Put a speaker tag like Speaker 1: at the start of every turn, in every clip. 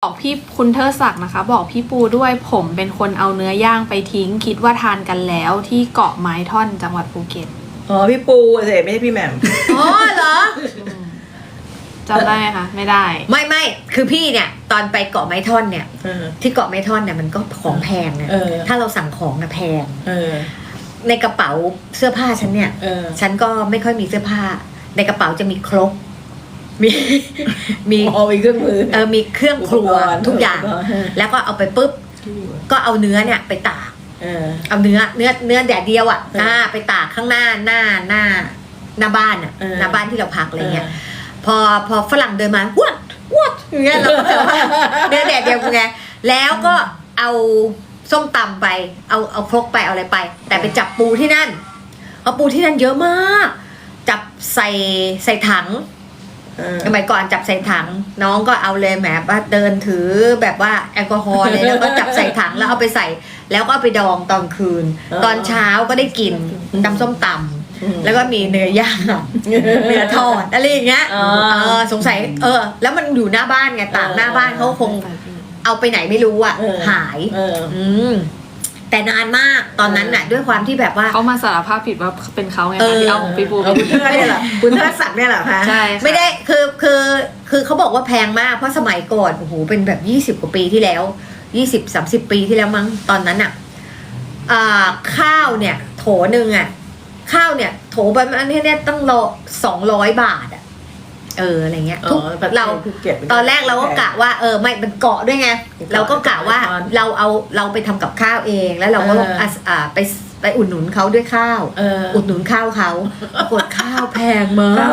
Speaker 1: บอกพี่คุณเทอศักดิ์นะคะบอกพี่ปูด้วยผมเป็นคนเอาเนื้อย่างไปทิ้งคิดว่าทานกันแล้วที่เกาะไม้ท่อนจังหวัดภูเก็ต
Speaker 2: อ๋อพี่ปูเสไม่ใช่พี่แหม่ม
Speaker 3: อ๋อเหรอ
Speaker 1: จำได้ไหมคะไม่ได้
Speaker 3: ไม่คือพี่เนี่ยตอนไปเกาะไม้ท่อนเนี่ย
Speaker 2: เออ
Speaker 3: ที่เกาะไม้ท่อนเนี่ยมันก็ของแพงนะ
Speaker 2: เออ
Speaker 3: ถ้าเราสั่งของนะแพง
Speaker 2: เออ
Speaker 3: ในกระเป๋าเสื้อผ้าฉันเนี่ย
Speaker 2: เออ
Speaker 3: ฉันก็ไม่ค่อยมีเสื้อผ้า ในกระเป๋าจะมีครกมี มี
Speaker 2: เอาอีกเครื่องมือ
Speaker 3: มีเครื่องครัว
Speaker 2: อุปกรณ์
Speaker 3: ทุกอย่าง
Speaker 2: อุปกรณ์
Speaker 3: แล้วก็เอาไปปุ๊บก็เอาเนื้อเนี่ยไปตาก
Speaker 2: เออ
Speaker 3: เอาเนื้อแดดเดียวอ่ะ
Speaker 2: เออ
Speaker 3: ไปตากข้างหน้าบ้านอ่ะ
Speaker 2: เออ
Speaker 3: หน้าบ้านที่เราพักอะไรเงี้ยพอฝรั่งเดินมาวัดอย่างเงี้ยเราก็จะว่าเนื้อแดดเดียวไงแล้วก็เอาส้มตำไปเอาครกไปเอาอะไรไป แต่ไปจับปูที่นั่นเอาปูที่นั่นเยอะมาก จับใส่ถัง
Speaker 2: เออ
Speaker 3: สมัยก่อนจับใส่ถังน้องก็เอาเลยแหมว่าเดินถือแบบว่าแอลกอฮอล์เลยแล้วก็จับใส่ถังแล้วเอาไปใส่แล้วก็เอาไปดองตอนคืน ตอนเช้าก็ได้กินตำส้มตำแล้วก็มีเนื้อย่างเนื้อทอดอะไรอย่างเงี้ยสงสัยแล้วมันอยู่หน้าบ้านไงต่างหน้าบ้านเขาคงเอาไปไหนไม่รู้อ่ะหาย แต่นานมากตอนนั้นน่ะด้วยความที่แบบว่า
Speaker 1: เขามาสารภาพผิดว่าเป็นเขาไง
Speaker 3: เอ
Speaker 1: คะ
Speaker 3: อ
Speaker 1: ที่เอาของพี่ปู
Speaker 2: เอาคุณเทิดเนี่ยเหรอคุณเทิดศักดิ์เนี่ยเหรอคะ
Speaker 1: ใช่ค่ะ
Speaker 3: ไม่ได้คือเขาบอกว่าแพงมากเพราะสมัยก่อนโอ้โหเป็นแบบ20 กว่าปีที่แล้ว20-30 ปีที่แล้วมั้งตอนนั้นอ่ะข้าวเนี่ยโถนึงอ่ะข้าวเนี่ยโถประมาณนี้เนี่ยต้อง200 บาทอ่ะอะไรเงี้ยทุกเราตอนแรกเราก็กะว่าไม่มันเกาะด้วยไงเราก็กะว่าเราไปทำกับข้าวเองแล้วเราก็ไปอุดหนุนเขาด้วยข้าวอุดหนุนข้าวเขากดข้าวแพงมาก
Speaker 2: ข้าว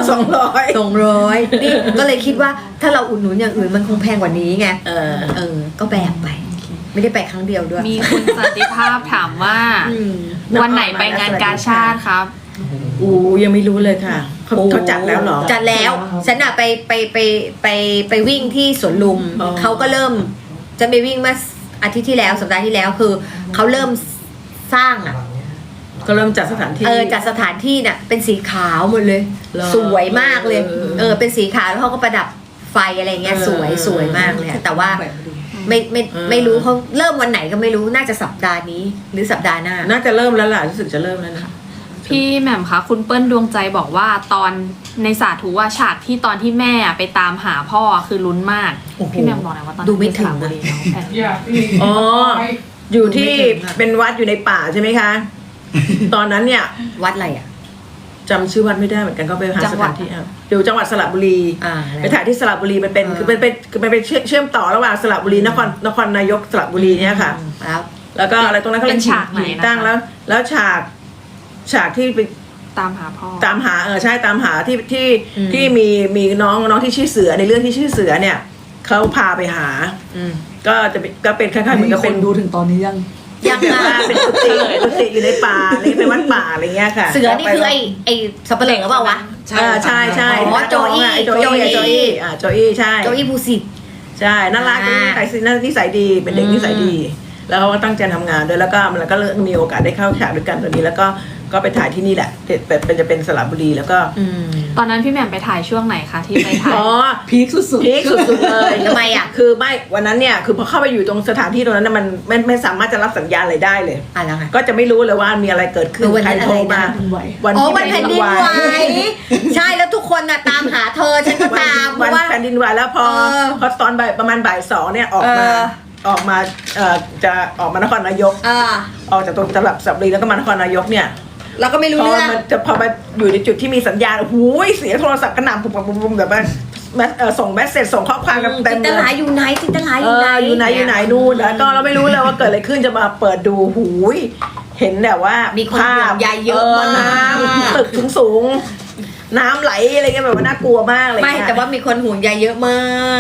Speaker 2: 200
Speaker 3: นี่ก็เลยคิดว่าถ้าเราอุดหนุนอย่างอื่นมันคงแพงกว่านี้ไงก็แบกไปไม่ได้ไปครั้งเดียวด้วย
Speaker 1: มีคุณสันติภาพถามว่าวันไหนไปงานกาชาติครับ
Speaker 2: ยังไม่รู้เลยค่ะเขาจัดแล้วเหรอ
Speaker 3: จัดแล้วฉันอะไปวิ่งที่สวนลุม
Speaker 2: อ๋อ
Speaker 3: เขาก็เริ่มจะไปวิ่งเมื่ออาทิตย์ที่แล้วสัปดาห์ที่แล้วคือเขาเริ่มสร้างอะ
Speaker 2: ก็เริ่มจัดสถานที่
Speaker 3: จัดสถานที่น่ะเป็นสีขาวหมดเลย
Speaker 2: เหรอ
Speaker 3: สวยมากเลย เป็นสีขาวแล้วเขาก็ประดับไฟอะไรเงี้ย
Speaker 2: เออ
Speaker 3: สวยมากเลยอะแต่ว่าไม่รู้เขาเริ่มวันไหนก็ไม่รู้น่าจะสัปดาห์นี้หรือสัปดาห์หน้า
Speaker 2: น่าจะเริ่มแล้วล่ะรู้สึกจะเริ่มแล้วนะ
Speaker 1: พี่แหม่มคะคุณเปิ้ลดวงใจบอกว่าตอนในสาธุว่าฉากที่ตอนที่แม่ไปตามหาพ่อคือลุ้นมาก
Speaker 3: โอ้โห
Speaker 1: พี่แหม่มบอกหน่อยว่าตอน
Speaker 3: ดูไม่ถึง
Speaker 1: สระบุรีเนาะแผน
Speaker 2: อ๋ออยู่ที่เป็นวัดอยู่ในป่าใช่ไหมคะ ตอนนั้นเนี่ย
Speaker 3: วัดอะไรอ่ะ
Speaker 2: จำชื่อวัดไม่ได้เหมือนกันก็ไปหาสถานที่อยู่จังหวัดสระบุรี
Speaker 3: แล้ว
Speaker 2: ไปถ่ายที่สระบุรีมันเป็นคือมันเป็นเชื่อมต่อระหว่างสระบุรีนครนายกสระบุรีเนี่ยค่ะ แล้วก็อะไรตรงนั้นเขา
Speaker 1: เป็
Speaker 2: เรีย
Speaker 1: น
Speaker 2: ก
Speaker 1: ฉากไหน
Speaker 2: หิน
Speaker 1: นะคะ
Speaker 2: ตั้งแล้วฉากที่ไป
Speaker 1: ตามหาพ่อ
Speaker 2: ตามหาใช่ตามหาที่มีน้องที่ชื่อเสือในเรื่องที่ชื่อเสือเนี่ยเขาพาไปหาก็เป็นคล้ายๆเหมือนกับเป็น
Speaker 4: ดูถึงตอนนี้ยัง
Speaker 3: ยัง
Speaker 2: แบบว่าเป็นกุฏิอยู่ในป่าอะไรเป็นวัดป่าอะไรเงี้ยค่ะ
Speaker 3: เสือนี่คือไอ้สับปะเหร่อเปล่าวะ
Speaker 2: ใช่
Speaker 3: อ๋อโจอี้
Speaker 2: โจอี้ใช่
Speaker 3: โจอี้ภูสิทธิ์
Speaker 2: ใช่น่ารักนิสัยดีเป็นเด็กนิสัยดี แล้วเขาก็ตั้งใจทำงานด้วยแล้วก็มันก็มีโอกาสได้เข้าฉากด้วยกันตัวนี้แล้วก็ไปถ่ายที่นี่แหละจะเป็นสระบุรีแล้วก็
Speaker 1: ตอนนั้นพี่แหม่มไปถ่ายช่วงไหนคะที่ไปถ่าย
Speaker 2: อ๋อ
Speaker 4: พีคสุด
Speaker 2: พีคสุดๆเลย
Speaker 3: ทำไมอ่ะ
Speaker 2: คือไม่วันนั้นเนี่ยคือพอเข้าไปอยู่ตรงสถานที่ตรงนั้นนะมันไม่สามารถจะรับสัญญาณอะไรได้เลย
Speaker 3: แล้วไง
Speaker 2: ก็จะไม่รู้เลยว่ามีอะไรเกิดขึ้น
Speaker 3: วันนั้น
Speaker 2: ใครโทรมา
Speaker 4: อะไรนะ
Speaker 2: วัน
Speaker 3: อ๋อ
Speaker 2: ที่
Speaker 3: วันแผ่นดินไหวใช่แล้วทุกคนน่ะตามหาเธอฉันก็ตามเพ
Speaker 2: วัน
Speaker 3: ราะว่า
Speaker 2: แผ่นดินไหวแล้วพอตอนประมาณบ่ายสองเนี่ยออกมาจะออกมานครนายกออกจากตรงตลาดสระบุรีแล้วก็มานครนายกเนี่ย
Speaker 3: เราก็ไม่รู้เรื่อง
Speaker 2: พอมาอยู่ในจุดที่มีสัญญาณโอ้โหเสียงโทรศัพท์กระหน่ำปุ๊บแบบว่าส่งเมสเซจส่งข้อความกันเต็ม
Speaker 3: จินต
Speaker 2: เล
Speaker 3: ลาย อยู่ไหนจินตลาอยู่ไหน
Speaker 2: อยู่ไหนนู่นแล้วก็เราไม่รู้เลยว่าเกิดอะไรขึ้นจะมาเปิดดูหูยเห็นแบบว่ามี
Speaker 3: คนห่วงใยเยอะมาก
Speaker 2: น้ำตึกสูงน้ำไหลอะไรเงี้ยแบบว่าน่ากลัวมากเลย
Speaker 3: ไม่แต่ว่ามีคนห่วงใยเยอะมาก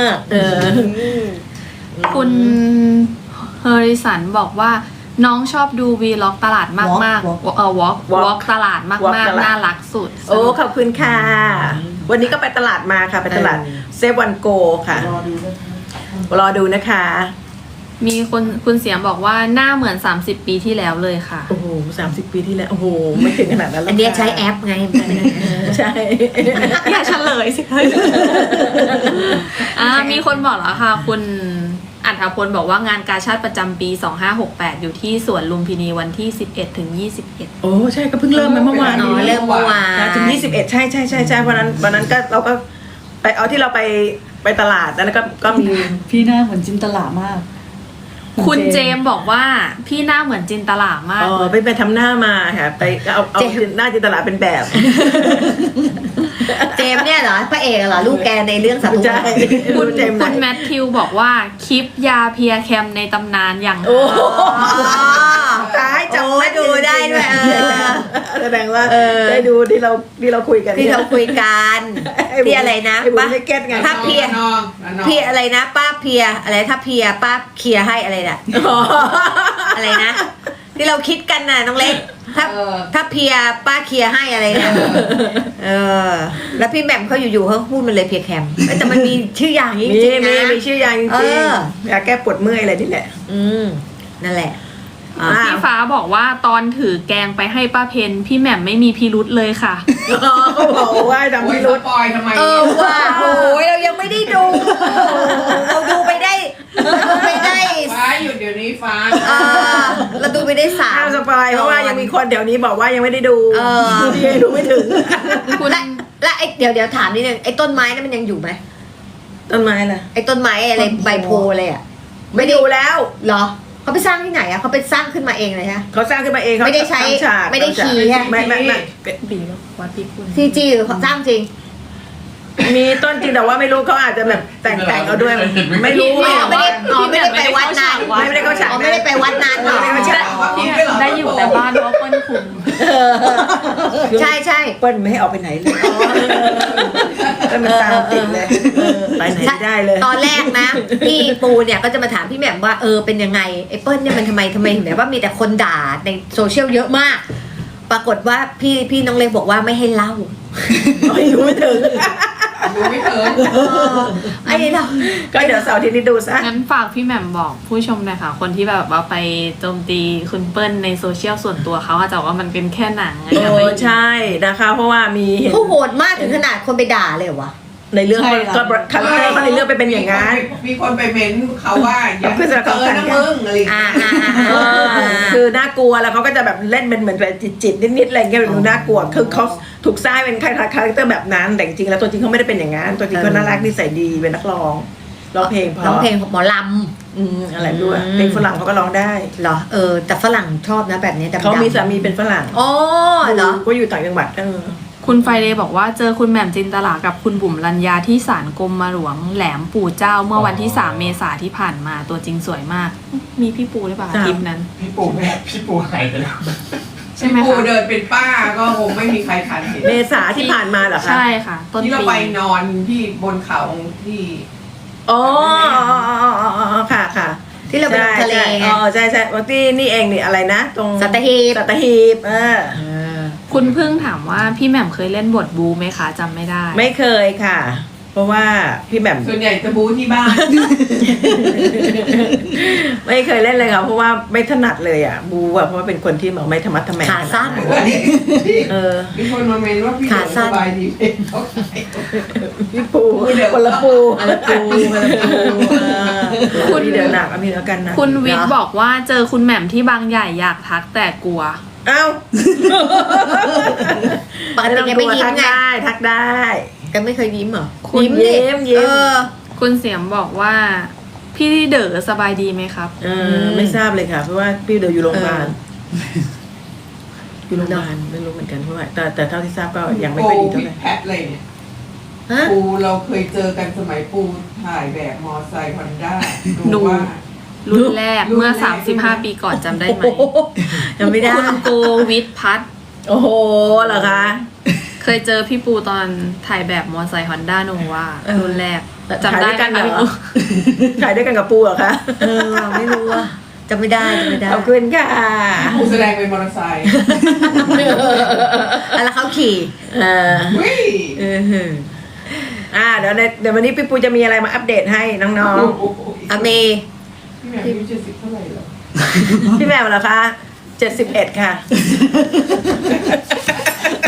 Speaker 1: คุณเฮอริสันบอกว่าน้องชอบดูวีล็อกตลาดมากๆวอล์กตลาดมากๆน่ารักสุด
Speaker 2: โอ้ขอบคุณค่ะวันนี้ก็ไปตลาดมาค่ะไปตลาดเซฟวันโกค่ะ
Speaker 4: รอดูด้วย
Speaker 2: รอดูนะคะ
Speaker 1: มีคุณเสียงบอกว่าหน้าเหมือน30 ปีที่แล้วเลยค่ะ
Speaker 2: โอ้โห30 ปีที่แล้วโอ้โหไม่ถึงขนาดนั้นหรอก
Speaker 3: อันเนี้ยใช้แอปไง
Speaker 2: ใช่
Speaker 1: อย่าเฉลยสิคะมีคนบอกแล้วค่ะคุณอัธพลบอกว่างานกาชาติประจำปี 2568 อยู่ที่สวนลุมพินีวันที่ 11 ถึง 21
Speaker 2: โอ้ใช่ก็เพิ่งเริ่มไปเมื่อวาน
Speaker 3: อ๋อเริ่มเมื่อวาน
Speaker 2: ถึง21ใช่วันนั้นก็เราก็ไปเอาที่เราไปตลาดแล้วก็มี
Speaker 4: พี่หน้าเหมือนจินตลามาก
Speaker 1: คุณเจมส์บอกว่าพี่หน้าเหมือนจินตลามาก
Speaker 2: อ๋อ
Speaker 1: เลย
Speaker 2: ไปทำหน้ามาค่ะไปเอาหน้าจินตลาเป็นแบบ
Speaker 3: เจมส์เนี่ยเหรอพระเอกเหรอลูกแกในเรื่องสัตว์
Speaker 2: ใช่
Speaker 1: คุณ
Speaker 2: เจมส์
Speaker 1: คุณ
Speaker 2: ไหน
Speaker 1: แมทธิวบอกว่าคลิปยาเพียแคมในตำนานอย่าง
Speaker 2: โอ้
Speaker 3: ตายจำไม่ดูได้ด้วย
Speaker 2: แสดงว่าได้ดูที่เราคุยกัน
Speaker 3: ที่เราคุยกันที่อะไรนะ
Speaker 2: ไอ้บุ๋
Speaker 3: ป้าม
Speaker 2: ไม่เก็ตไง
Speaker 3: ถ้าเพียพี่อะไรนะป้าเพียอะไรถ้าเพียป้าเคลียร์ให้อะไรน่ะ อะไรนะ ที่เราคิดกันน่ะน้องเล็กถ้าเพียป้าเคลียร์ให้อะไรนะแล้วพี่แหม่มเขาอยู่ๆเขาพูดมันเลยเพียแคมแต่มันมีชื่ออย่างจริงๆนะ
Speaker 2: มีชื่อยางจริงยาแก้ปวดเมื่อยอะไรนี่แหละ
Speaker 3: นั่นแหละ
Speaker 1: พี่ฟ้าบอกว่าตอนถือแกงไปให้ป้าเพนพี่แหม่มไม่มีพิรุษเลยค่ะ
Speaker 2: เขาบอกว่าทำพิรุธ
Speaker 5: ปอยทำไม
Speaker 3: ว่าโอ้ยเรายังไม่ได้ดู เราดูไปได้
Speaker 5: ฟ้าหยุดเดี๋ยวนี้ฟ้า
Speaker 3: เราดูไปได้สาม
Speaker 2: ห้ามสปอยเพราะว่ายังมีคนแถวนี้บอกว่ายังไม่ได้ดูพี่ดูไม่ถึง
Speaker 1: คุณ
Speaker 3: และไอ้เดี๋ยวถามนิดนึงไอ้ต้นไม้นั่นมันยังอยู่ไหม
Speaker 2: ต้นไม้ล่ะ
Speaker 3: ไอ้ต้นไม้อะไรใบโพอะไรอ่ะ
Speaker 2: ไม่ดูแล้ว
Speaker 3: เหรอเขาไปสร้างที่ไหนอ่ะเขาไปสร้างขึ้นมาเองเลยฮะ
Speaker 2: เขาสร้างขึ้นมาเองเขา
Speaker 3: ไม่ได้ใช้
Speaker 2: ทำฉาก
Speaker 3: ไม่ได้ขี่ฮะ
Speaker 2: ไม่
Speaker 1: บีวัดพี่คุณ
Speaker 3: ซีจีหรือเขาสร้างจริง
Speaker 2: มีต้นจริงแต่ว่าไม่รู้เขาอาจจะแบบแต่งเอาด้วย ไม่รู้
Speaker 3: ไม่ได้ไปวัดนาน
Speaker 2: ไม่ได้เข้าฉาก
Speaker 3: ไม่ได้ไปวัดนานหรอ
Speaker 2: ไม่ได้เข้าฉาก
Speaker 1: ได้อยู่แต่บ้านเพราะเปิ้ลคุม
Speaker 3: ใช่
Speaker 2: เปิ้ลไม่ให้ออกไปไหนเลยก็มันตามติดเลยไปไหนไม่ได้เลย
Speaker 3: ตอนแรกนะ พี่ปูเนี่ยก็จะมาถามพี่แหม่มว่าเป็นยังไงไอ้เปิ้ลเนี่ยมันทำไมเห็นแบบว่ามีแต่คนด่าในโซเชียลเยอะมาก ปรากฏว่าพี่น้องเล็กบอกว่าไม่ให้เล่า
Speaker 2: ไม่รู้ไม่ถึง
Speaker 5: ดูไม่เถิน
Speaker 3: ไอ้เรา
Speaker 2: ก็เดี๋ยวเสาร์อาที่นี้ดูซะ
Speaker 1: งั้นฝากพี่แหม่มบอกผู้ชมหน่อยค่ะ คนที่แบบว่าไปโจมตีคุณเปิ้ลในโซเชียลส่วนตัวเขาอาจจะว่ามันเป็นแค่หนังไงอย่าไป
Speaker 2: ใช่นะคะเพราะว่ามีเห็น
Speaker 3: เขาโหดมากถึงขนาดคนไปด่าเลยเหรอวะ
Speaker 2: ในเรื่อง
Speaker 4: ใช่ค่ะ
Speaker 2: ก็คาแรคเตอร์เขาในเรื่องไปเป็นอย่างนั้น
Speaker 5: มีคนไปเม้นเขาว่าอย่า
Speaker 2: เพื่อนสนิท
Speaker 5: เกินนะมึงอะไรอย่างเงี้ย
Speaker 2: คือน่ากลัวแล้วเขาก็จะแบบเล่นเป็นเหมือนแบบจิตนิดๆอะไรเงี้ยแบบดูน่ากลัวคือเขาถูกสร้างเป็นคาแรคเตอร์แบบนั้นแต่จริงๆแล้วตัวจริงเขาไม่ได้เป็นอย่างนั้นตัวจริงเขาน่ารักนิสัยดีเป็นนักร้องเพลงเพราะ
Speaker 3: ร้องเพลงหมอล
Speaker 2: อะไรด้วยเพลงฝรั่งเขาก็ร้องได้
Speaker 3: ำเหรอแต่ฝรั่งชอบนะแบบนี้แต่
Speaker 2: เขามีสามีเป็นฝรั่ง
Speaker 3: อ๋อเหรอ
Speaker 2: ก็อยู่ต่างจังหวัด
Speaker 1: คุณไฟเดย์บอกว่าเจอคุณแหม่มจินตลากับคุณบุ๋มรัญญาที่ศาลกรมหลวงแหลมปู่เจ้าเมื่อวันที่ 3 เมษาที่ผ่านมาตัวจริงสวยมาก มีพี่ปูหรือเปล่าคลิปนั้น
Speaker 5: พี่ปูหายไปแล้ว
Speaker 1: ใช่ไหม
Speaker 5: พี่ปู
Speaker 1: คะ
Speaker 5: เดินเป็นป้าก็คงไม่มีใครทันเห็น
Speaker 2: เมษาที่ผ่านมาเหรอคะ
Speaker 1: ใช่ค่ะ ต้น
Speaker 5: ที่เรา
Speaker 1: ปี
Speaker 5: ไปนอนที่บนเขาที่
Speaker 2: อ๋อค่ะค่ะ
Speaker 3: ที่เราไปลงทะเลไง
Speaker 2: อ๋อใช่ว่าที่นี่เองนี่อะไรนะตรง
Speaker 3: สัตหีบ
Speaker 2: สัตหีบ
Speaker 1: คุณพึ่งถามว่าพี่แหม่มเคยเล่นบทบูไหมคะจำไม่ได้
Speaker 2: ไม่เคยค่ะ เพราะว่าพี่แหม่ม
Speaker 5: ส่วนใหญ่จะบูที่บ้าน
Speaker 2: ไม่เคยเล่นเลยค่ะเพราะว่าไม่ถนัดเลยอ่ะบูอ่ะเพราะว่าเป็นคนที่แบบไม่ธรรมะทแมง
Speaker 3: ขาสั้น
Speaker 5: มีคนมาเมนว่าพี่
Speaker 3: ขาสั้น
Speaker 5: สบายดีเป็นเขาขาย
Speaker 2: พี่ปูคนละปู
Speaker 1: คุณ
Speaker 2: เดี๋ยวหนักมีแล้วกันนะ
Speaker 1: คุณวิทย์บอกว่าเจอคุณแหม่มที่บางใหญ่อยากทักแต่กลัว
Speaker 2: เอ้า
Speaker 3: ปกติแกไม่ยิ้ม
Speaker 2: ทัก
Speaker 3: ไง
Speaker 2: ได้ทักได้
Speaker 3: แกไม่เคยยิ้มเหรอ
Speaker 2: คุณ
Speaker 3: ดิ
Speaker 2: ยิ้ม
Speaker 1: คุณเสียมบอกว่าพี่เด๋อสบายดีไหมครับ
Speaker 2: ไม่ทราบเลยค่ะ เพราะว่าพี่เดี๋ยวอยู่โรงพยาบาลอยู่โรงพยาบาลไม่รู้เหมือนกันเพราะว่าแต่เท่าที่ทราบก็ยังไม่
Speaker 5: ปู
Speaker 2: ค่อยดีเท่า
Speaker 5: ผิ
Speaker 2: ไห
Speaker 5: ด
Speaker 2: ร่
Speaker 5: แพทเลยเนี่ย
Speaker 3: ฮะ
Speaker 5: ปูเราเคยเจอกันสมัยปูถ่ายแบบมอไซค์ฮอนด้า
Speaker 1: ดู
Speaker 5: ว่า
Speaker 1: รุ่นแรก
Speaker 5: รุ่นแรก
Speaker 1: เมื่อ 35 ปีก่อนจำได้ไหม
Speaker 3: ยังไม่ได้
Speaker 1: คุณโกวิทพัฒน์
Speaker 2: โอ้โหเหรอคะ
Speaker 1: เคยเจอพี่ปูตอนถ่ายแบบมอไซค์ฮอนด้าโนวารุ่นแรกจำ
Speaker 2: ถ่าย
Speaker 1: ได้
Speaker 2: ด้วยกัน
Speaker 1: ไหม
Speaker 2: เหรอถ่ายด้วยกันกับปูเหรอคะ
Speaker 3: ไม่รู้อะจำไม่ได้
Speaker 2: ขอบคุณค่ะ
Speaker 5: ปูแสดงเป็นมอเตอร์ไซค์
Speaker 3: แล้วเขาขี่
Speaker 5: วิ่ง
Speaker 2: เดี๋ยววันนี้พี่ปูจะมีอะไรมาอัปเดตให้น้อง
Speaker 3: อเม
Speaker 5: พี่แหม่มอายุ70เท่าไหร่เหรอ
Speaker 2: ๆ พี่แมวเหรอคะ71ค่ะ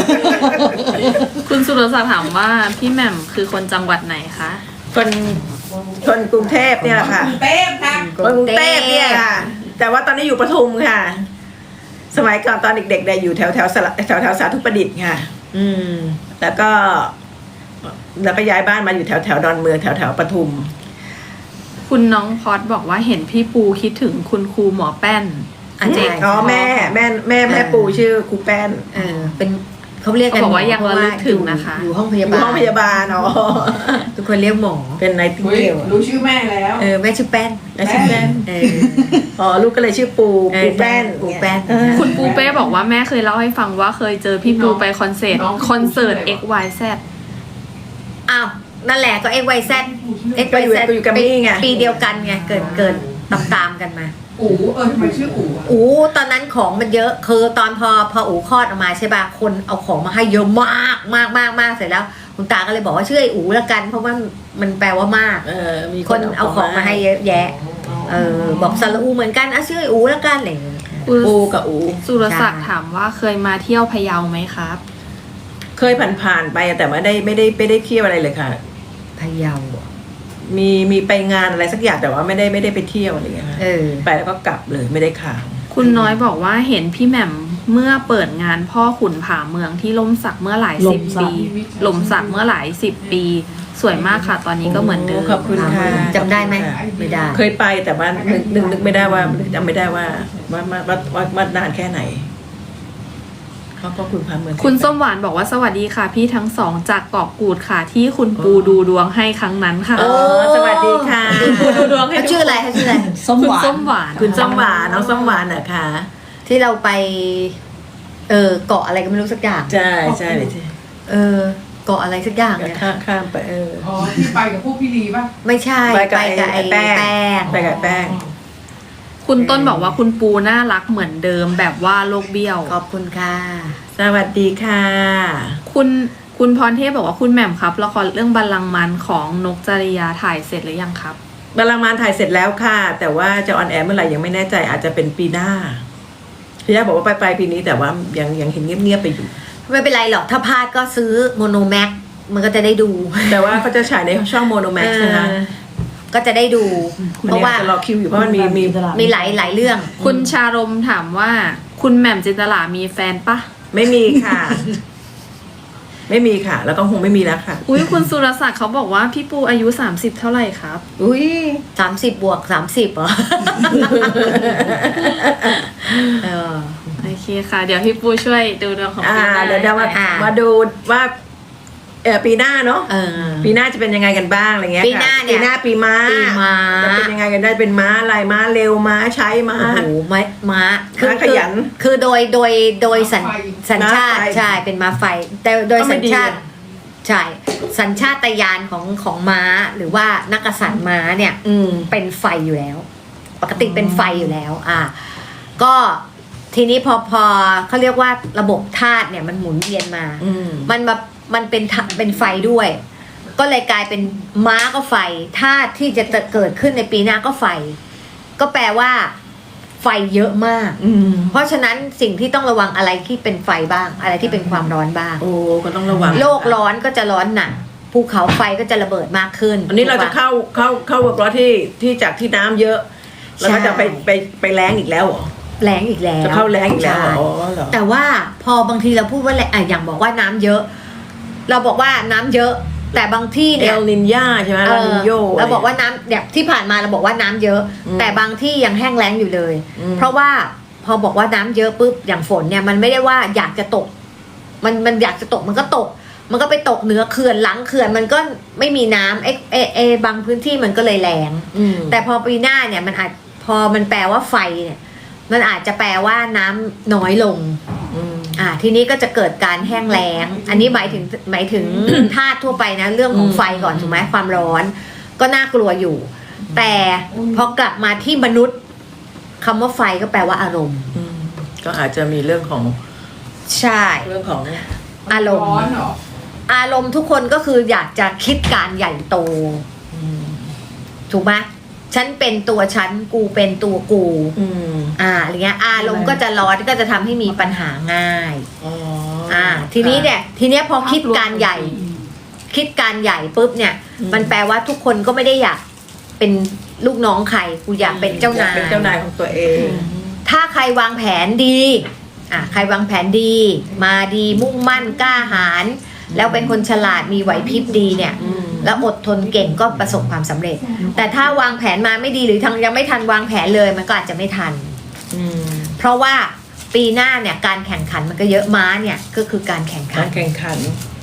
Speaker 1: คุณสุรศักดิ์ถามว่าพี่แหม่มคือคนจังหวัดไหนคะ
Speaker 2: คนคนกรุงเทพเนี่ยแหละค่ะ
Speaker 5: กรุงเทพค่ะ
Speaker 2: คนกรุงเทพเนี่ยค่ะ แต่ว่าตอนนี้อยู่ปทุมค่ะ สมัยก่อนตอนเด็กๆเนี่ยอยู่แถวสาธุประดิษฐ์ค่ะ
Speaker 3: อืม
Speaker 2: แล้วก็ย้ายบ้านมาอยู่แถวดอนเมืองแถวปทุม
Speaker 1: คุณน้องพอดบอกว่าเห็นพี่ปูคิดถึงคุณครูหมอแป้น
Speaker 3: อันเจ
Speaker 2: อ๋อแม่ปูชื่อครูแป้น
Speaker 3: เป็นเขาเรียกกัน
Speaker 1: เขาบอกว่ายังระลึกถึงนะคะ
Speaker 3: อยู่ห้องพา
Speaker 2: อยยู่
Speaker 3: บาล
Speaker 2: ห้องพยาบาลอ๋อ
Speaker 3: ทุกคนเรียกหมอ
Speaker 2: เป็นไนติง
Speaker 5: อุ๊ย
Speaker 2: เกล
Speaker 5: รู้ชื่อแม่แล้ว
Speaker 3: แม่ชื่อแป้น
Speaker 2: และชื่อแป้น
Speaker 3: เออ
Speaker 2: อ๋อลูกก็เลยชื่อปูแป้น
Speaker 3: ปูแป้น
Speaker 1: คุณปูเป้บอกว่าแม่เคยเล่าให้ฟังว่าเคยเจอพี่ปูไปคอนเสิร์ต
Speaker 5: น้อง
Speaker 1: XYZ
Speaker 3: อ้าวนั่นแหละก็ XYZ
Speaker 2: ก็อยู่แกรมมี่ไง
Speaker 3: ปีเดียวกันไงเกินตามกันมา
Speaker 5: อู๋ทำไมชื่ออู๋อะ
Speaker 3: อูตอนนั้นของมันเยอะคือตอนพออูคลอดออกมาใช่ป่ะคนเอาของมาให้เยอะมากเสร็จแล้วคุณตาก็เลยบอกว่าชื่อไอ้อูละกัน เพราะว่ามันแปลว่ามาก
Speaker 2: มี
Speaker 3: คนเอาของมาให้เยอะแยะบอกสระอูเหมือนกันชื่อไอ้อูละกันอะไรอย่างเงี้ย
Speaker 2: ปูกับอู
Speaker 1: สุรศักดิ์ถามว่าเคยมาเที่ยวพะเยาไหมครับ
Speaker 2: เคยผ่านๆไปแต่ไม่ได้เที่ยวอะไรเลยค่ะ
Speaker 3: พะเยาอ่ะ
Speaker 2: มีไปงานอะไรสักอย่างแต่ว่าไม่ได้ไปเที่ยวอะไรอย่างเงี้ยค่ะ ไปแล้วก็กลับเลยไม่ได้ค้าง
Speaker 1: คุณน้อยบอกว่าเห็นพี่แหม่มเมื่อเปิดงานพ่อขุนผาเมืองที่ล่มสักเมื่อหลายสิบปีหล่มสักเมื่อหลายสิบปี สวยมากค่ะ ตอนนี้ก็เหมือนเดิม
Speaker 2: ขอบคุณค่ะ
Speaker 3: จำได้ไหมไม่ได้
Speaker 2: เคยไปแต่ว่านึกไม่ได้ว่าจำไม่ได้ว่านานแค่ไหนเขาก็คุณพาเมือง
Speaker 1: คุณส้มหวานบอกว่าสวัสดีค่ะ พี่ทั้งสองจากเกาะกูดค่ะ ที่คุณปูดูดวงให้ครั้งนั้นค่ะ
Speaker 2: โอ้สวัสดีค่ะ
Speaker 1: ปูดูดวงให้
Speaker 3: เขาชื่ออะไรเขาชื่ออะไร
Speaker 4: ส้ม
Speaker 1: คุณ
Speaker 4: หวาน
Speaker 1: ส้มหวาน
Speaker 2: คุณส้มหวานน้องส้มหวานเหรอคะ
Speaker 3: ที่เราไปเกาะอะไรก็ไม่รู้สักอย่าง
Speaker 2: ใช่เลย
Speaker 3: เกาะอะไรสักอย่างเนี่ย
Speaker 2: ข้ามไป
Speaker 5: อ๋อที่ไปกับพวกพี่ลีป่ะ
Speaker 3: ไม่ใช่
Speaker 2: ไปกับ
Speaker 3: ไอ้
Speaker 2: แป้ง
Speaker 3: แป้ง
Speaker 2: ไปกับแป้ง
Speaker 1: คุณต้นบอกว่าคุณปูน่ารักเหมือนเดิมแบบว่าโลกเบี้ยว
Speaker 3: ขอบคุณค่ะ
Speaker 2: สวัสดีค่ะ
Speaker 1: คุณพรเทพบอกว่าคุณแหม่มครับละครเรื่องบัลลังก์มันของนกจริยาถ่ายเสร็จหรือยังครับ
Speaker 2: บาลังก์มารถ่ายเสร็จแล้วค่ะ แต่ว่าจะออนแอร์เมื่อไหร่ยังไม่แน่ใจอาจจะเป็นปีหน้าพี่ย่าบอกว่าปลายปีนี้แต่ว่ายังเห็นเงียบๆไปอยู่
Speaker 3: ไม่เป็นไรหรอกถ้าพลาดก็ซื้อโมโนแม็กมันก็จะได้ดู
Speaker 2: แต่ว่าเขาจะฉายในช่องโมโนแม็กซ์นะคะ
Speaker 3: ก็จะได้ดู เพราะว่า
Speaker 2: จะรอคิวอยู่เพราะมันมี
Speaker 3: มีหลายเรื่อง
Speaker 1: คุณชารมถามว่าคุณแหม่มจินตลามีแฟนปะ
Speaker 2: ไม่มีค่ะ ไม่มีค่ะ แล้วก็คงไม่มีแล้วค่ะ
Speaker 1: อุ้ยคุณสุรศักดิ์เขาบอกว่าพี่ปูอายุ30เท่าไหร่ครับ
Speaker 2: อุ้ย
Speaker 3: 30+30เหรอ
Speaker 1: โอเคค่ะ เดี๋ยวพี่ปูช่วยดูดวงของปีหน้า
Speaker 2: เดี๋ยวมาดูว่าปีหน้าเนาะปีหน้าจะเป็นยังไงกันบ้างอะไรเงี้ย
Speaker 3: ปีหน้าเนี่ย
Speaker 2: ปีหน้าปีม้า
Speaker 3: ปีม้า
Speaker 2: จะเป็นยังไงกันได้เป็นม้าอะไรม้าเร็วม้าใช้ม้า
Speaker 3: โอ้โหม้า
Speaker 2: ขยัน
Speaker 3: คือโดยสัญชาติ
Speaker 2: ม้าไฟ
Speaker 3: ใช่เป็นม้าไฟ แต่โดย
Speaker 2: ก็ไม่
Speaker 3: สัญ
Speaker 2: ดี
Speaker 3: ชาติใช่สัญชาตญาณของม้าหรือว่านักกษัตริย์ม้าเนี่ย เป็นไฟอยู่แล้ว ปกติเป็นไฟอยู่แล้ว ก็ทีนี้พอเขาเรียกว่าระบบธาตุเนี่ยมันหมุนเวียนมา มันเป็นไฟด้วย ก็เลยกลายเป็นม้าก็ไฟธาตุที่จะเกิดขึ้นในปีหน้าก็ไฟ ก็แปลว่า ไฟเยอะมาก เพราะฉะนั้นสิ่งที่ต้องระวังอะไรที่เป็นไฟบ้าง อะไรที่เป็นความร้อนบ้าง
Speaker 2: โอ้ก็ต้องระวัง
Speaker 3: โลกร้อนก็จะร้อนหนักภูเขาไฟก็จะระเบิดมากขึ้น
Speaker 2: อันนี้เราจะเข้าเวิร์กร้อนที่จากที่น้ำเยอะ แล้วก็จะไปแรงอีกแล้วเหรอ
Speaker 3: แรงอีกแล้ว
Speaker 2: จะเข้าแรงอีกแล้วเหรอ
Speaker 3: ใช่
Speaker 2: อ๋อเหรอ
Speaker 3: แต่ว่าพอบางทีเราพูดว่าอย่างบอกว่าน้ำเยอะ เราบอกว่าน้ำเยอะ แต่บางที่
Speaker 2: เอ
Speaker 3: เนี่ย
Speaker 2: ลนินยาใช่ไหมลานินโย
Speaker 3: เราบอกว่าน้ำแบบที่ผ่านมาเราบอกว่าน้ำเยอะ แต่บางที่ยังแห้งแล้งอยู่เลย เพราะว่าพอบอกว่าน้ำเยอะปุ๊บอย่างฝนเนี่ยมันไม่ได้ว่าอยากจะตก มันอยากจะตกมันก็ตก มันก็ไปตกเหนือเขื่อนหลังเขื่อนมันก็ไม่มีน้ำบางพื้นที่มันก็เลยแรงแต่พอปีหน้าเนี่ยมันอาจพอมันแปลว่าไฟเนี่ยมันอาจจะแปลว่าน้ำน้อยลงทีนี้ก็จะเกิดการแห้งแล้ง อันนี้หมายถึง ธาตุทั่วไปนะเรื่องของไฟก่อนถูกไหมความร้อน ก็น่ากลัวอยู่ แต่พอกลับมาที่มนุษย์คำว่าไฟก็แปลว่าอารมณ์
Speaker 2: ก็อาจจะมีเรื่องของ
Speaker 3: ใช่
Speaker 2: เรื่องของ
Speaker 3: อารมณ์
Speaker 5: ร้อนเหรอ
Speaker 3: อารมณ์ทุกคนก็คืออยากจะคิดการใหญ่โตถูกไหมฉันเป็นตัวฉันกูเป็นตัวกูอะไรเงี้ยอารมณ์ก็จะร้อนก็จะทำให้มีปัญหาง่ายทีนี้เนี่ยพอคิดการใหญ่คิดการใหญ่ปุ๊บเนี่ย มันแปลว่าทุกคนก็ไม่ได้อยากเป็นลูกน้องใครกูอยากเป็นเจ้านาย
Speaker 2: เป็นเจ้านายของตัวเอง
Speaker 3: ถ้าใครวางแผนดีใครวางแผนดีมาดีมุ่งมั่นกล้าหาญแล้วเป็นคนฉลาดมีไหวพริบดีเนี่ย แล้วอดทนเก่งก็ประสบความสำเร็จ แต่ถ้าวางแผนมาไม่ดีหรือยังไม่ทันวางแผนเลยมันก็อาจจะไม่ทัน เพราะว่าปีหน้าเนี่ยการแข่งขันมันก็เยอะม้าเนี่ยก็คือการแข่งขั
Speaker 2: กาน รแข่งขัน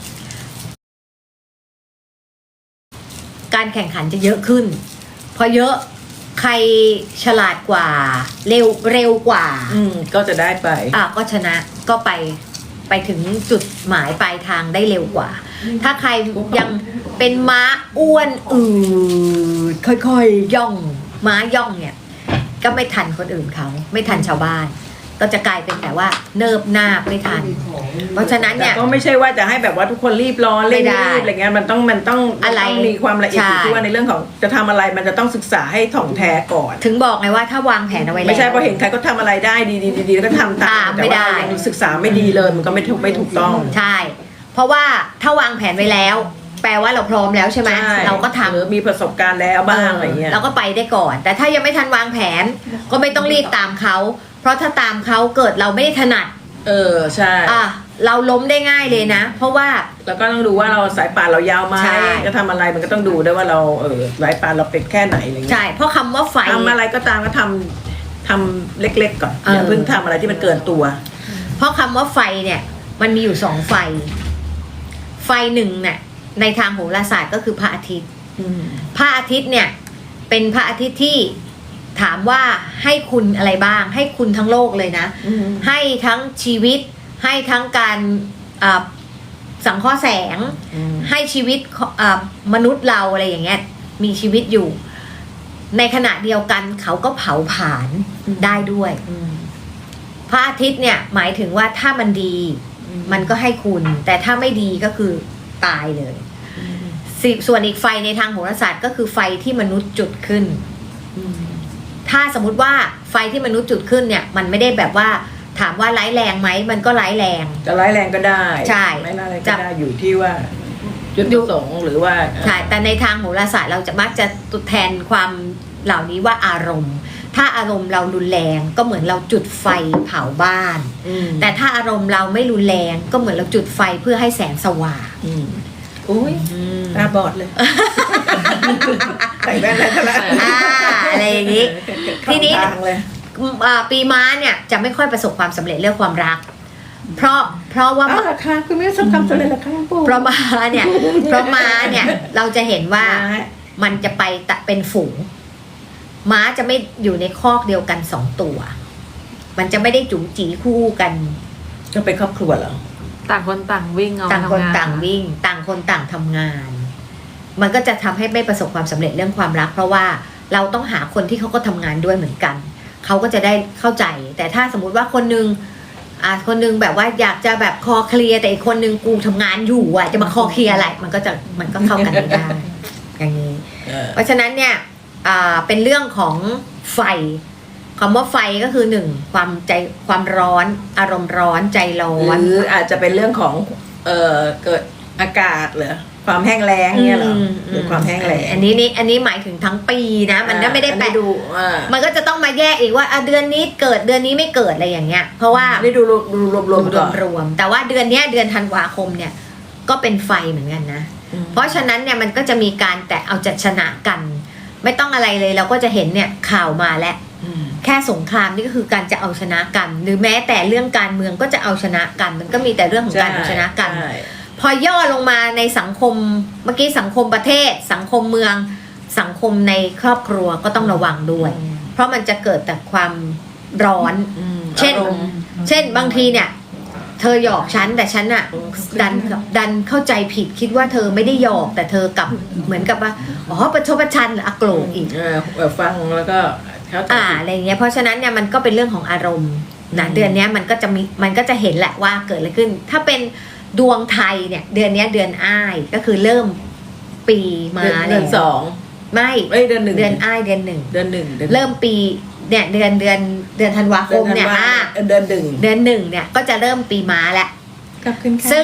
Speaker 3: การแข่งขันจะเยอะขึ้นพอเยอะใครฉลาดกว่าเร็วกว่า
Speaker 2: ก็จะได้ไป
Speaker 3: ก็ชนะก็ไปถึงจุดหมายปลายทางได้เร็วกว่า ถ้าใครยังเป็นม้าอ้วนค่อยๆย่องม้าย่องเนี่ยก็ไม่ทันคนอื่นเขาไม่ทันชาวบ้าน ก็จะกลายเป็นแต่ว่าเนิบนาบไม่ทัน เพราะฉะนั้น
Speaker 2: แต่
Speaker 3: เนี่ย
Speaker 2: ก็ไม่ใช่ว่าจะให้แบบว่าทุกคนรีบร้อนเร่ง
Speaker 3: ไม่ได้
Speaker 2: รีบอะไรเงี้ยมันต้อง
Speaker 3: อะไร
Speaker 2: มีความละเอียดอยู่
Speaker 3: ใช่
Speaker 2: ที่ว่าในเรื่องของจะทำอะไรมันจะต้องศึกษาให้ถ่องแท้ก่อน
Speaker 3: ถึงบอกไงว่าถ้าวางแผนเอาไว้แล้ว
Speaker 2: ไม่ใช่พอเห็นใครก็ทำอะไรได้ดีๆแล้วก็ทำตาม
Speaker 3: ไม่ได้
Speaker 2: แต่ว่ายังศึกษาไม่ดีเลยมันก็ไม่ถูกต้อง
Speaker 3: ใช่ เพราะว่าถ้าวางแผนไว้แล้ว แปลว่าเราพร้อมแล้วใช่ไหม
Speaker 2: ใช่
Speaker 3: เราก็ทำ
Speaker 2: หรือมีประสบการณ์แล้วบ้างอะไรเงี้ย
Speaker 3: เราก็ไปได้ก่อน แต่ถ้ายังไม่ทันวางแผน ก็ไม่ต้องรีบตามเขา เพราะถ้าตามเขาเกิดเราไม่ได้ถนัด
Speaker 2: ใช่
Speaker 3: เราล้มได้ง่ายเลยนะ เพราะว่า
Speaker 2: แล้วก็ต้องดูว่าเราสายป่านเรายาวไหม
Speaker 3: ใช่
Speaker 2: จะทำอะไรมันก็ต้องดูด้วยว่าเราสายป่านเราเป็นแค่ไหนอะไรเงี้ย
Speaker 3: ใช่ เพราะคำว่าไฟ
Speaker 2: ทำอะไรก็ตามก็ทำเล็กๆก่อนอย่าเพิ่งทำอะไรที่มันเกินตัว
Speaker 3: เพราะคำว่าไฟเนี่ยมันมีอยู่สองไฟ ไฟหนึ่งเนี่ยในทางโหราศาสตร์ก็คือพระอาทิตย์ พระอาทิตย์เนี่ยเป็นพระอาทิตย์ที่ถามว่าให้คุณอะไรบ้าง ให้คุณทั้งโลกเลยนะ ให้ทั้งชีวิต ให้ทั้งการสังเคราะห์แสง ให้ชีวิตมนุษย์เราอะไรอย่างเงี้ยมีชีวิตอยู่ ในขณะเดียวกันเขาก็เผาผลาญได้ด้วย พระอาทิตย์เนี่ยหมายถึงว่าถ้ามันดี มันก็ให้คุณ แต่ถ้าไม่ดีก็คือตายเลยส่วนอีกไฟในทางโหราศาสตร์ก็คือไฟที่มนุษย์จุดขึ้น ถ้าสมมุติว่าไฟที่มนุษย์จุดขึ้นเนี่ยมันไม่ได้แบบว่าถามว่าร้ายแรงไหมมันก็ร้ายแรง
Speaker 2: จะร้ายแรงก็ได้
Speaker 3: ใช่
Speaker 2: ไม่ร้ายแรงก็ได้อยู่ที่ว่าจุดประสงค์หรือว่า
Speaker 3: ใช่แต่ในทางโหราศาสตร์เราจะมักจะตัวแทนความเหล่านี้ว่าอารมณ์ ถ้าอารมณ์เรารุนแรงก็เหมือนเราจุดไฟเผาบ้าน แต่ถ้าอารมณ์เราไม่รุนแรงก็เหมือนเราจุดไฟเพื่อให้แสงสว่าง
Speaker 2: อุ้ยตาบอดเลยใส่แว่นอะไรซะแล้ว
Speaker 3: อะไรอย่างนี้ ทีนี้
Speaker 2: ทางเลย
Speaker 3: ปีม้าเนี่ยจะไม่ค่อยประสบความสำเร็จเรื่องความรัก เพราะว่า
Speaker 2: ราคาคุณไม่ได้สักคำสำเร็จราคาปู
Speaker 3: เพราะม้าเนี่ยเราจะเห็นว่ามันจะไปเป็นฝูง ม้าจะไม่อยู่ในคอกเดียวกันสองตัว มันจะไม่ได้จู๋จีคู่กัน
Speaker 2: ก็เป็นครอบครัวเหรอ
Speaker 1: ต่างคนต่างวิ่งเอา
Speaker 3: ต่างคน
Speaker 1: ทำง
Speaker 3: ต่างวิ่ง ต่างคนต่างทำงาน มันก็จะทำให้ไม่ประสบความสำเร็จเรื่องความรัก เพราะว่าเราต้องหาคนที่เขาก็ทำงานด้วยเหมือนกันเขาก็จะได้เข้าใจ แต่ถ้าสมมุติว่าคนนึงแบบว่าอยากจะแบบคอเคลียร์แต่อีกคนนึงกูทำงานอยู่อ่ะจะมาคอเคลียร์อะไรมันก็เข้ากันไม่ได้ อย่างนี้ เพราะฉะนั้นเนี่ยเป็นเรื่องของไฟคำว่าไฟก็คือหนึ่งความร้อนอารมณ์ร้อนใจร้อน
Speaker 2: หรืออาจจะเป็นเรื่องของเกิดอากาศเหรอความแห้งแล้งเนี่ยเหรอหรือความแห้งแล้ง
Speaker 3: อันนี้หมายถึงทั้งปีนะ มันก็ไม่ได้แปะ
Speaker 2: ดู
Speaker 3: มันก็จะต้องมาแยกอีกว่าเดือนนี้เกิดเดือนนี้ไม่เกิดอะไรอย่างเงี้ย เพราะว่า
Speaker 2: ได้ดูรวมๆก่อน
Speaker 3: รวมแต่ว่าเดือนเนี้ยเดือนธันวาคมเนี่ยก็เป็นไฟเหมือนกันนะ เพราะฉะนั้นเนี่ยมันก็จะมีการแต่เอาจัดชนะกัน ไม่ต้องอะไรเลยเราก็จะเห็นเนี่ยข่าวมาแล้วแค่สงครามนี่ก็คือการจะเอาชนะกัน หรือแม้แต่เรื่องการเมืองก็จะเอาชนะกัน มันก็มีแต่เรื่องของการเอาชนะกัน พอย่อลงมาในสังคมเมื่อกี้สังคมประเทศ สังคมเมืองสังคมในครอบครัวก็ต้องระวังด้วย เพราะมันจะเกิดแต่ความร้อน เช่นบางทีเนี่ยเธอหยอกฉันแต่ฉันอะดันเข้าใจผิดคิดว่าเธอไม่ได้หยอกแต่เธอกลับเหมือนกับว่าประชดประชันหรือโกรธอีก
Speaker 2: ฟังแล้วก็เขาตัดสิน
Speaker 3: อะไรเงี้ยเพราะฉะนั้นเนี่ยมันก็เป็นเรื่องของอารมณ์นะเดือนนี้มันก็จะเห็นแหละว่าเกิดอะไรขึ้น ถ้าเป็นดวงไทยเนี่ยเดือนนี้เดือนอ้ายก็คือเริ่มปีมาแล้ว
Speaker 2: เดือนสอง
Speaker 3: ไม่
Speaker 2: เดือนหนึ่ง
Speaker 3: เดือนอ้ายเดือนหนึ่ง
Speaker 2: เดือนหนึ่ง
Speaker 3: เริ่มปีเนี่ยเดือนธันวาคมเนี่ย
Speaker 2: เดือนหนึ่ง
Speaker 3: เดือนหนึ่งเนี่ยก็จะเริ่มปีม้าแล้ว
Speaker 2: กลับขึ้นค่ะ
Speaker 3: ซึ่ง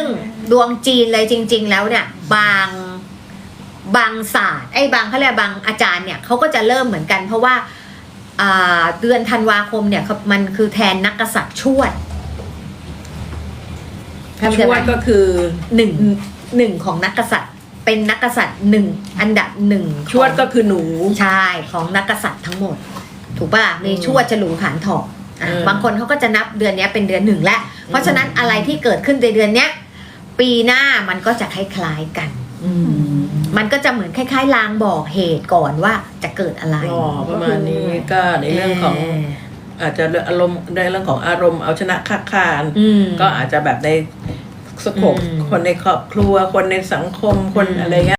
Speaker 3: ดวงจีนเลยจริง ๆ แล้วเนี่ยบางศาสตร์บางเขาเรียกบางอาจารย์เนี่ยเขาก็จะเริ่มเหมือนกัน เพราะว่าเดือนธันวาคมเนี่ยมันคือแทนนักกษัตริย์ชวด
Speaker 2: ชวดก็คือ
Speaker 3: หนึ่งของนักกษัตริย์เป็นนักกษัตริย์หนึ่งอันดับหนึ่ง
Speaker 2: ชวดก็คือหนู
Speaker 3: ใช่ของนักกษัตริย์ทั้งหมด ถูกป่ะมีชวดฉลูผานถอกบางคนเขาก็จะนับเดือนนี้เป็นเดือนหนึ่งแล้วเพราะฉะนั้นอะไรที่เกิดขึ้นในเดือนเนี้ยปีหน้ามันก็จะคล้ายๆกันมันก็จะเหมือนคล้ายๆลางบอกเหตุก่อนว่าจะเกิดอะไร
Speaker 2: ประมาณนี้ก็ในเรื่องของอาจจะอารมณ์ในเรื่องของอารมณ์เอาชนะค้าคานก็อาจจะแบบในสโคปคนในครอบครัวคนในสังคมคนอะไรเงี้ย